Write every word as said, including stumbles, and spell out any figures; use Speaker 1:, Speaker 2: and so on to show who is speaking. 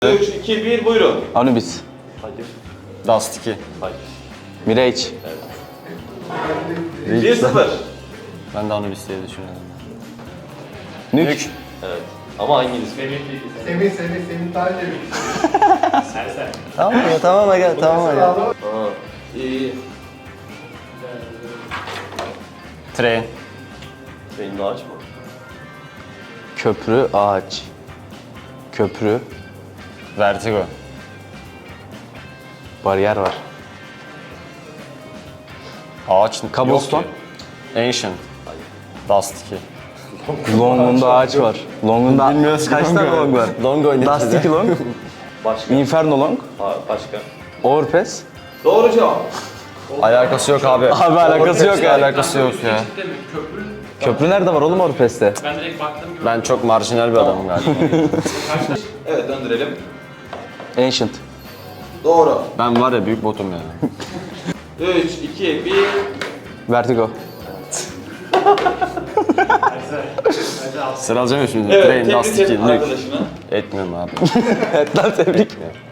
Speaker 1: üç, iki, bir buyurun.
Speaker 2: Anubis.
Speaker 1: Hayır.
Speaker 3: Dust iki.
Speaker 1: Hayır.
Speaker 2: Mirage.
Speaker 1: bir sıfır.
Speaker 3: Ben de Anubis diye düşünüyorum.
Speaker 2: Nük.
Speaker 3: Nük.
Speaker 1: Evet. Ama hanginiz?
Speaker 4: Semih, Semih, Semih Taceli.
Speaker 2: Tamam ya tamam aga tamam aga.
Speaker 1: Aa, iyi.
Speaker 3: Train.
Speaker 1: Benim de açma.
Speaker 2: Köprü ağaç. Köprü.
Speaker 3: Vertigo.
Speaker 2: Bariyer var.
Speaker 3: Ağaç.
Speaker 2: Cobblestone.
Speaker 3: Yok ki. Ancient. Dust iki.
Speaker 2: Long'unda ağaç var. Long'unda
Speaker 3: Bilmiyoruz
Speaker 2: kaç
Speaker 3: kanka.
Speaker 2: tane long var?
Speaker 3: Long oynayacağız.
Speaker 2: Dust iki long.
Speaker 1: Başka.
Speaker 2: Inferno long.
Speaker 1: Ha, başka.
Speaker 2: Overpass.
Speaker 1: Doğru cevap.
Speaker 3: Alakası yok abi.
Speaker 2: Abi alakası yok ya.
Speaker 3: Alakası yok ya.
Speaker 2: Köprü nerede var oğlum Overpass'te?
Speaker 5: Ben direkt baktım gibi.
Speaker 3: Ben çok marjinal bir adamım galiba.
Speaker 1: Evet döndürelim.
Speaker 2: Ancient.
Speaker 1: Doğru.
Speaker 3: Ben var ya büyük botum yani.
Speaker 1: üç, iki, bir.
Speaker 2: Vertigo.
Speaker 3: Sıralayacağım ya şimdi.
Speaker 1: Evet,
Speaker 3: Train,
Speaker 1: tebrik
Speaker 3: Dust
Speaker 1: et
Speaker 3: iki, Nük.
Speaker 1: arkadaşını.
Speaker 3: Etmiyorum abi.
Speaker 2: Evet lan tebrik.